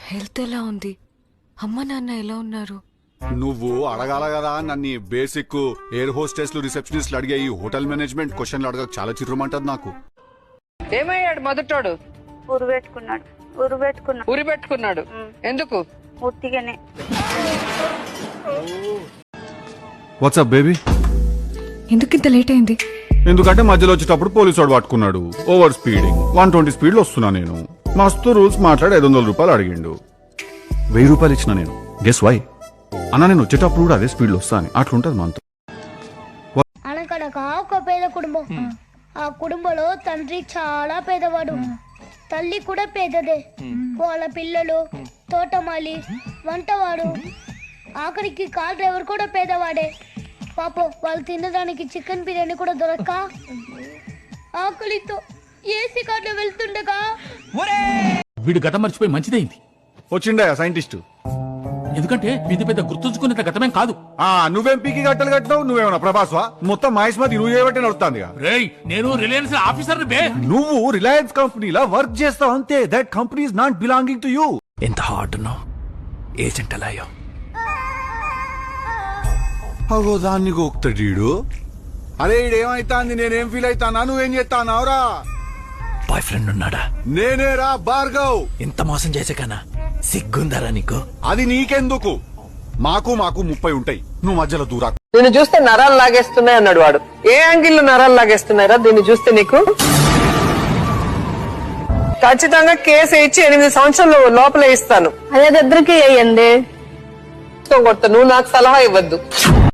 Health ఎలా ఉంది? అమ్మ నాన్న ఎలా ఉన్నారు? నువ్వు అడగాల కదా నన్ను బేసిక్ ఎయిర్ హోస్టెస్లు రిసెప్షనిస్ట్లు అడిగే ఈ హోటల్ మేనేజ్మెంట్ క్వశ్చన్లు అడగ చాలా చిత్రమంటది నాకు. ఏమయ్యాడు మొదటోడు? ఉరి పెట్టుకున్నాడు. ఎందుకు? ఉట్టిగానే. What's up baby? ఎందుకు ఇంత లేట్ అయింది? ఎందుకంటే మధ్యలో వచ్చేటప్పుడు పోలీసు వాడు పట్టుకున్నాడు. ఓవర్ స్పీడింగ్ 120 స్పీడ్లో వస్తున్నా నేను. మస్తు రూల్స్ మాట్లాడి 500 రూపాయలు అడిగిండు. 1000 రూపాయలు ఇచ్చిన నేను. Guess why? అన్న నేను వచ్చేటప్పుడు కూడా అదే స్పీడ్లో వస్తా అని. అట్లుంటది మనతో. అనకనక ఒక పేద కుటుంబం. ఆ కుటుంబంలో తండ్రి చాలా పేదవాడు, తల్లి కూడా పేదదే. వాళ్ళ పిల్లలు తోటమాలి, వంటవాడు, ఆఖరికి కార్ డ్రైవర్ కూడా పేదవాడే. పాపం వాళ్ళు తినడానికి చికెన్ బిర్యానీ కూడా దొరక్క ఆకలితో ఏసీ కార్లో వెళ్తుండగా వీడు గతం మర్చిపోయి మంచిదైంది. వచ్చిండా సైంటిస్ట్? ఎందుకంటే ఇది పెద్ద గుర్తుంచుకునేంత గతమేం కాదు. నువ్వేం పీకి గట్టలు కట్టినావు? నువ్వేమన్నా ప్రభాస్వా? మొత్తం మహేష్మతి నువ్వు చేయబట్టి నడుస్తుంది. రేయ్ నేను రిలయన్స్ ఆఫీసర్ బే. నువ్వు రిలయన్స్ కంపెనీలా వర్క్ చేస్తావు అంతే. That company is not belonging to you. ఎంత హార్డ్ ఉన్నావు ఏజెంట్ అలాయో. అగో దాన్ని గోక్తడీడు. అరే ఈడేమైతాంది? నేనేం ఫీల్ అయితానా? నువ్వేం చేస్తానావురా? బాయ్ ఫ్రెండ్ ఉన్నాడా? నేనేరా భార్గవ్. ఇంత మోసం చేసాకనా సిగ్గుందరా నీకు? అది నీకెందుకు? మాకు 30 ఉంటాయి. నువ్వు మధ్యలో దూరా. దీన్ని చూస్తే నరాలు లాగేస్తున్నాయి అన్నాడు వాడు. ఏ యాంగిల్ లో నరాలు లాగేస్తున్నాయిరా దీన్ని చూస్తే నీకు? ఖచ్చితంగా కేసు ఇచ్చి 8 సంవత్సరాలు లోపల ఇస్తాను. అదే దగ్గరికి వేయండి. నువ్వు నాకు సలహా ఇవ్వద్దు.